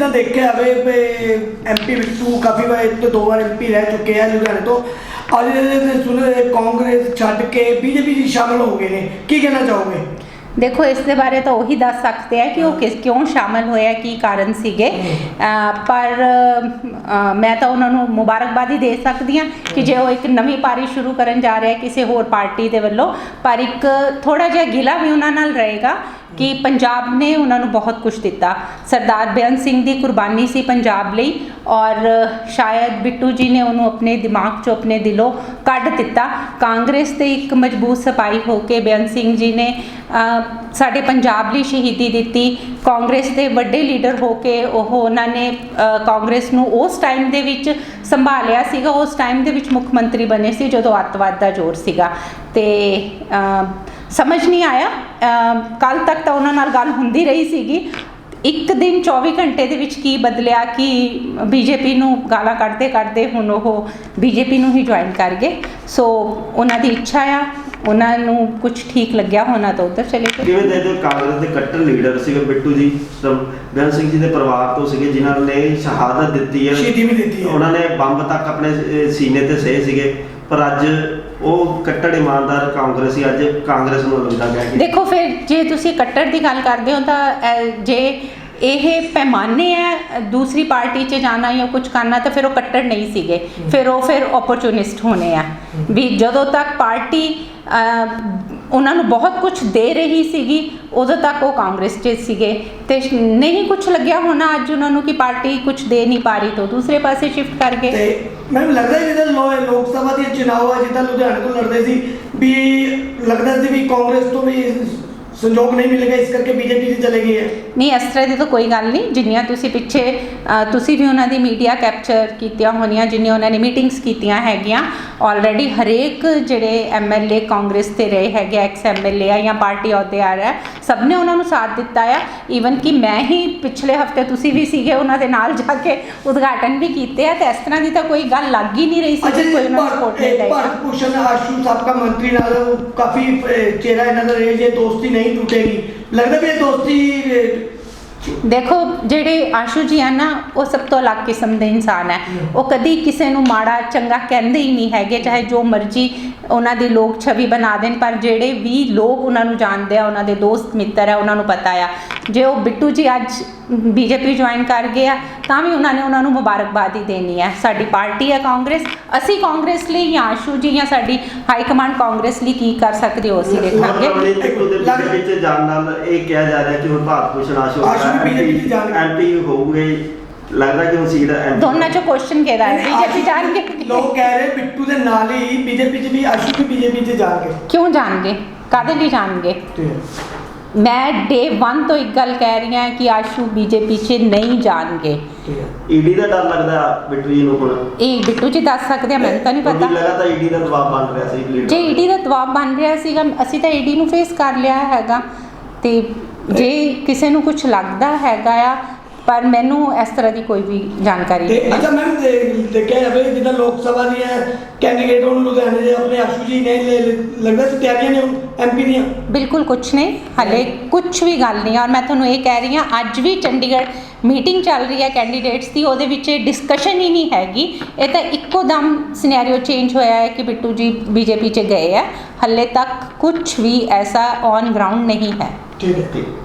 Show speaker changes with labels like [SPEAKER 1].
[SPEAKER 1] ਜਿੱਦਾਂ ਦੇਖਿਆ ਜਾਵੇ ਐਮਪੀ ਬਿੱਟੂ ਕਾਫੀ ਵਾਰ 2 ਵਾਰ ਐਮਪੀ ਰਹਿ ਚੁੱਕੇ ਆ ਲੁਧਿਆਣੇ ਤੋਂ, ਅੱਜ ਦੇ ਸੁਣੇ ਕਾਂਗਰਸ ਛੱਡ ਕੇ ਬੀਜੇਪੀ 'ਚ ਸ਼ਾਮਲ ਹੋ ਗਏ ਨੇ, ਕੀ ਕਹਿਣਾ ਚਾਹੋਗੇ?
[SPEAKER 2] ਦੇਖੋ ਇਸ ਦੇ ਬਾਰੇ ਤਾਂ ਉਹੀ ਦੱਸ ਸਕਦੇ ਆ ਕਿ ਉਹ ਕਿਉਂ ਸ਼ਾਮਲ ਹੋਇਆ, ਕੀ ਕਾਰਨ ਸੀਗੇ, ਪਰ ਮੈਂ ਤਾਂ ਉਹਨਾਂ ਨੂੰ ਮੁਬਾਰਕਬਾਦ ਹੀ ਦੇ ਸਕਦੀ ਹਾਂ ਕਿ ਜੇ ਉਹ ਇੱਕ ਨਵੀਂ ਪਾਰੀ ਸ਼ੁਰੂ ਕਰਨ ਜਾ ਰਿਹਾ ਕਿਸੇ ਹੋਰ ਪਾਰਟੀ ਦੇ ਵੱਲੋਂ, ਪਰ ਇੱਕ ਥੋੜ੍ਹਾ ਜਿਹਾ ਗਿਲਾ ਵੀ ਉਹਨਾਂ ਨਾਲ ਰਹੇਗਾ ਕਿ ਪੰਜਾਬ ਨੇ ਉਹਨਾਂ ਨੂੰ ਬਹੁਤ ਕੁਝ ਦਿੱਤਾ। ਸਰਦਾਰ ਬੇਅੰਤ ਸਿੰਘ ਦੀ ਕੁਰਬਾਨੀ ਸੀ ਪੰਜਾਬ ਲਈ, ਔਰ ਸ਼ਾਇਦ ਬਿੱਟੂ ਜੀ ਨੇ ਉਹਨੂੰ ਆਪਣੇ ਦਿਮਾਗ 'ਚੋਂ ਆਪਣੇ ਦਿਲੋਂ ਕੱਢ ਦਿੱਤਾ। ਕਾਂਗਰਸ ਤੇ ਇੱਕ ਮਜ਼ਬੂਤ ਸਿਪਾਹੀ ਹੋ ਕੇ ਬੇਅੰਤ ਸਿੰਘ ਜੀ ਨੇ ਸਾਡੇ ਪੰਜਾਬ ਲਈ ਸ਼ਹੀਦੀ ਦਿੱਤੀ। ਕਾਂਗਰਸ ਦੇ ਵੱਡੇ ਲੀਡਰ ਹੋ ਕੇ ਉਹਨਾਂ ਨੇ ਕਾਂਗਰਸ ਨੂੰ ਉਸ ਟਾਈਮ ਦੇ ਵਿੱਚ ਸੰਭਾਲਿਆ ਸੀਗਾ, ਉਸ ਟਾਈਮ ਦੇ ਵਿੱਚ ਮੁੱਖ ਮੰਤਰੀ ਬਣੇ ਸੀ ਜਦੋਂ ਅੱਤਵਾਦ ਦਾ ਜ਼ੋਰ ਸੀਗਾ। ਤੇ ਸਮਝ ਨਹੀਂ ਆਇਆ, ਕੱਲ੍ਹ ਤੱਕ ਤਾਂ ਉਹਨਾਂ ਨਾਲ ਗੱਲ ਹੁੰਦੀ ਰਹੀ ਸੀਗੀ, ਇੱਕ ਦਿਨ 24 ਘੰਟੇ ਦੇ ਵਿੱਚ ਕੀ ਬਦਲਿਆ ਕਿ ਬੀਜੇਪੀ ਨੂੰ ਗਾਲਾਂ ਕੱਢਦੇ ਹੁਣ ਉਹ ਬੀਜੇਪੀ ਨੂੰ ਹੀ ਜੁਆਇਨ ਕਰ ਗਏ। ਸੋ ਉਹਨਾਂ ਦੀ ਇੱਛਾ ਆ, ਉਹਨਾਂ ਨੂੰ ਕੁਝ ਠੀਕ ਲੱਗਿਆ ਹੋਣਾ ਤਾਂ ਉੱਧਰ ਚਲੇ ਗਏ।
[SPEAKER 3] ਕਿਵੇਂ ਦੇ ਕਾਂਗਰਸ ਦੇ ਕੱਟੜ ਲੀਡਰ ਸੀਗੇ ਬਿੱਟੂ ਜੀ, ਬੇਅੰਤ ਸਿੰਘ ਜੀ ਦੇ ਪਰਿਵਾਰ ਤੋਂ ਸੀਗੇ ਜਿਨ੍ਹਾਂ ਨੇ ਸ਼ਹਾਦਤ ਦਿੱਤੀ ਹੈ,
[SPEAKER 1] ਸ਼ਹੀਦੀ ਵੀ ਦਿੱਤੀ ਹੈ,
[SPEAKER 3] ਉਹਨਾਂ ਨੇ ਬੰਬ ਤੱਕ ਆਪਣੇ ਸੀਨੇ ਤੇ ਸਹੇ ਸੀਗੇ, ਪਰ ਅੱਜ ਉਹ ਕੱਟੜ ਇਮਾਨਦਾਰ ਕਾਂਗਰਸੀ ਅੱਜ ਕਾਂਗਰਸ ਨੂੰ ਲੱਗਦਾ ਗਿਆ ਕਿ
[SPEAKER 2] ਦੇਖੋ ਫਿਰ ਜੇ ਤੁਸੀਂ ਕੱਟੜ ਦੀ ਗੱਲ ਕਰਦੇ ਹੋ ਤਾਂ ਜੇ ਇਹ ਪੈਮਾਨੇ ਹੈ ਦੂਸਰੀ ਪਾਰਟੀ 'ਚ ਜਾਣਾ ਜਾਂ ਕੁਝ ਕਰਨਾ ਤਾਂ ਫਿਰ ਉਹ ਕੱਟੜ ਨਹੀਂ ਸੀਗੇ, ਫਿਰ ਓਪਰਚੁਨਿਸਟ ਹੋਣੇ ਆ ਵੀ ਜਦੋਂ ਤੱਕ ਪਾਰਟੀ ਉਹਨਾਂ ਨੂੰ ਬਹੁਤ ਕੁਝ ਦੇ ਰਹੀ ਸੀਗੀ ਉਦੋਂ ਤੱਕ ਉਹ ਕਾਂਗਰਸ 'ਚ ਸੀਗੇ, ਤੇ ਨਹੀਂ ਕੁਝ ਲੱਗਿਆ ਹੋਣਾ ਅੱਜ ਉਹਨਾਂ ਨੂੰ ਕਿ ਪਾਰਟੀ ਕੁਝ ਦੇ ਨਹੀਂ ਪਾ ਰਹੀ ਤਾਂ ਦੂਸਰੇ ਪਾਸੇ ਸ਼ਿਫਟ ਕਰ ਗਏ।
[SPEAKER 1] ਤੇ ਮੈਨੂੰ ਲੱਗਦਾ ਜਿੱਦਾਂ ਲੋਕ ਸਭਾ ਦੇ ਚੁਣਾਵ ਆ ਜਿੱਦਾਂ ਲੁਧਿਆਣੇ ਤੋਂ ਲੜਦੇ ਸੀ ਵੀ ਲੱਗਦਾ ਸੀ ਵੀ ਕਾਂਗਰਸ ਤੋਂ ਵੀ ਸੰਯੋਗ ਨਹੀਂ ਮਿਲੇਗਾ, ਇਸ ਕਰਕੇ ਬੀਜੇਪੀ 'ਚ ਚਲੇ ਗਈ ਹੈ। ਨਹੀਂ,
[SPEAKER 2] ਇਸ ਤਰ੍ਹਾਂ ਦੀ ਤਾਂ ਕੋਈ ਗੱਲ ਨਹੀਂ। ਜਿੰਨੀਆਂ ਤੁਸੀਂ ਪਿੱਛੇ ਤੁਸੀਂ ਵੀ ਉਹਨਾਂ ਦੀ ਮੀਡੀਆ ਕੈਪਚਰ ਕੀਤੀਆਂ ਹੋਣੀਆਂ, ਜਿੰਨੀਆਂ ਉਹਨਾਂ ਨੇ ਮੀਟਿੰਗਸ ਕੀਤੀਆਂ ਹੈਗੀਆਂ, ਆਲਰੇਡੀ ਹਰੇਕ ਜਿਹੜੇ ਐਮਐਲਏ ਕਾਂਗਰਸ ਤੇ ਰਹੇ ਹੈਗੇ, ਐਕਸ ਐਮਐਲਏ ਆ ਜਾਂ ਪਾਰਟੀ ਅਹੁਦੇ ਆ ਰਿਹਾ, ਸਭ ਨੇ ਉਹਨਾਂ ਨੂੰ ਸਾਥ ਦਿੱਤਾ ਆ। ਈਵਨ ਕਿ ਮੈਂ ਹੀ ਪਿਛਲੇ ਹਫਤੇ, ਤੁਸੀਂ ਵੀ ਸੀਗੇ, ਉਹਨਾਂ ਦੇ ਨਾਲ ਜਾ ਕੇ ਉਦਘਾਟਨ ਵੀ ਕੀਤੇ ਆ, ਤੇ ਇਸ ਤਰ੍ਹਾਂ ਦੀ ਤਾਂ ਕੋਈ ਗੱਲ ਲੱਗ ਹੀ ਨਹੀਂ ਰਹੀ ਸੀ ਕਿ ਕੋਈ ਉਹਨਾਂ ਨੂੰ ਸਪੋਰਟ ਨਹੀਂ ਦੇਗਾ।
[SPEAKER 1] ਭਾਰਤ ਭੂਸ਼ਣ ਆਸ਼ੂ ਸਾਬਕਾ ਮੰਤਰੀ ਨਾਲ ਕਾਫੀ ਚਿਹਰਾ ਇਹਨਾਂ ਦਾ ਰਹੇ, ਜੇ ਦੋਸਤੀ ਨਹੀਂ ਟੁੱਟੇਗੀ, ਲੱਗਦਾ ਵੀ ਇਹ ਦੋਸਤੀ।
[SPEAKER 2] ਦੇਖੋ ਜਿਹੜੇ ਆਸ਼ੂ ਜੀ ਆ ਨਾ, ਉਹ ਸਭ ਤੋਂ ਅਲੱਗ ਕਿਸਮ ਦੇ ਇਨਸਾਨ ਹੈ। ਉਹ ਕਦੀ ਕਿਸੇ ਨੂੰ ਮਾੜਾ ਚੰਗਾ ਕਹਿੰਦੇ ਹੀ ਨਹੀਂ ਹੈਗੇ, ਚਾਹੇ ਜੋ ਮਰਜ਼ੀ ਉਹਨਾਂ ਦੀ ਲੋਕ ਛਵੀ ਬਣਾ ਦੇਣ, ਪਰ ਜਿਹੜੇ ਵੀ ਲੋਕ ਉਹਨਾਂ ਨੂੰ ਜਾਣਦੇ ਆ, ਉਹਨਾਂ ਦੇ ਦੋਸਤ ਮਿੱਤਰ ਆ, ਉਹਨਾਂ ਨੂੰ ਪਤਾ ਆ ਜੇ ਉਹ ਬਿੱਟੂ ਜੀ ਅੱਜ ਬੀਜੇਪੀ ਜੁਆਇਨ ਕਰ ਗਏ ਆ ਤਾਂ ਵੀ ਉਹਨਾਂ ਨੂੰ ਮੁਬਾਰਕਬਾਦ ਹੀ ਦੇਣੀ ਹੈ। ਸਾਡੀ ਪਾਰਟੀ ਹੈ ਕਾਂਗਰਸ, ਅਸੀਂ ਕਾਂਗਰਸ ਲਈ ਜਾਂ ਆਸ਼ੂ ਜੀ ਜਾਂ ਸਾਡੀ ਹਾਈ ਕਮਾਂਡ ਕਾਂਗਰਸ ਲਈ ਕੀ ਕਰ ਸਕਦੇ ਹੋ ਅਸੀਂ ਦੇਖਾਂਗੇ।
[SPEAKER 3] ਵਿੱਚ ਜਾਣ ਨਾਲ ਇਹ ਕਿਹਾ ਜਾ ਰਿਹਾ ਕਿ ਹੁਣ ਭਾਰਤ ਭੂਸ਼ਣ ਆਸ਼ੂ ਐਮਪੀ ਹੋਊਗੇ, ਲੱਗਦਾ ਕਿ ਹੁਣ ਸੀਟ
[SPEAKER 2] ਦੋਨਾਂ ਚੋਂ ਕੁਐਸਚਨ ਕਿਹਦਾ ਹੈ? ਬੀਜੇਪੀ ਜਾਣਗੇ।
[SPEAKER 1] ਲੋਕ ਕਹਿ ਰਹੇ ਬਿੱਟੂ ਦੇ ਨਾਲ ਹੀ ਬੀਜੇਪੀ 'ਚ ਵੀ ਆਸ਼ੂ ਵੀ ਬੀਜੇਪੀ 'ਚ ਜਾਣਗੇ।
[SPEAKER 2] ਕਿਉਂ ਜਾਣਗੇ? ਕਾਹਦੇ ਲਈ ਜਾਣਗੇ? ਮੈਂ ਡੇ 1 ਤੋਂ ਇੱਕ ਗੱਲ ਕਹਿ ਰਹੀ ਹਾਂ ਕਿ ਆਸ਼ੂ ਬੀਜੇਪੀ 'ਚ ਨਹੀਂ ਜਾਣਗੇ।
[SPEAKER 3] ਈਡੀ ਦਾ ਡਰ ਲੱਗਦਾ ਬਿੱਟੂ ਜੀ ਨੂੰ? ਹੁਣ ਇਹ
[SPEAKER 2] ਬਿੱਟੂ ਜੀ ਦੱਸ ਸਕਦੇ ਆ, ਮੈਨੂੰ ਤਾਂ ਨਹੀਂ ਪਤਾ।
[SPEAKER 3] ਲਗਾਤਾਰ ਈਡੀ ਦਾ ਦਬਾਅ ਬਣ ਰਿਹਾ ਸੀ।
[SPEAKER 2] ਜੇ ਈਡੀ ਦਾ ਦਬਾਅ ਬਣ ਰਿਹਾ ਸੀਗਾ, ਅਸੀਂ ਤਾਂ ਈਡੀ ਨੂੰ ਫੇਸ ਕਰ ਲਿਆ ਹੈਗਾ, ਤੇ ਜੇ ਕਿਸੇ ਨੂੰ ਕੁਝ ਲੱਗਦਾ ਹੈਗਾ ਆ, ਪਰ ਮੈਨੂੰ ਇਸ ਤਰ੍ਹਾਂ ਦੀ ਕੋਈ ਵੀ ਜਾਣਕਾਰੀ ਨਹੀਂ।
[SPEAKER 1] ਅੱਛਾ ਮੈਮ, ਦੇਖਿਆ ਜਾਵੇ ਜਿੱਦਾਂ ਲੋਕ ਸਭਾ ਦੀਆਂ ਕੈਂਡੀਡੇਟ ਹੁਣ ਲੁਧਿਆਣੇ ਦੇ ਆਪਣੇ ਆਸ਼ੂ ਜੀ ਨੇ, ਲੱਗਦਾ ਸੀ ਤਿਆਰੀਆਂ ਨੇ ਐਮਪੀ ਦੀਆਂ? ਬਿਲਕੁਲ
[SPEAKER 2] ਕੁਝ ਨਹੀਂ, ਹਲੇ ਕੁਝ ਵੀ ਗੱਲ ਨਹੀਂ। ਔਰ ਮੈਂ ਤੁਹਾਨੂੰ ਇਹ ਕਹਿ ਰਹੀ ਹਾਂ, ਅੱਜ ਵੀ ਚੰਡੀਗੜ੍ਹ ਮੀਟਿੰਗ ਚੱਲ ਰਹੀ ਹੈ ਕੈਂਡੀਡੇਟਸ ਦੀ, ਉਹਦੇ ਵਿੱਚ ਡਿਸਕਸ਼ਨ ਹੀ ਨਹੀਂ ਹੈਗੀ। ਇਹ ਤਾਂ ਇੱਕੋ ਦਮ ਸਿਨੈਰੀਓ ਚੇਂਜ ਹੋਇਆ ਹੈ ਕਿ ਬਿੱਟੂ ਜੀ ਬੀਜੇਪੀ 'ਚ ਗਏ ਹੈ, ਹਲੇ ਤੱਕ ਕੁਝ ਵੀ ਐਸਾ ਔਨ ਗਰਾਊਂਡ ਨਹੀਂ ਹੈ।
[SPEAKER 1] ਠੀਕ ਹੈ।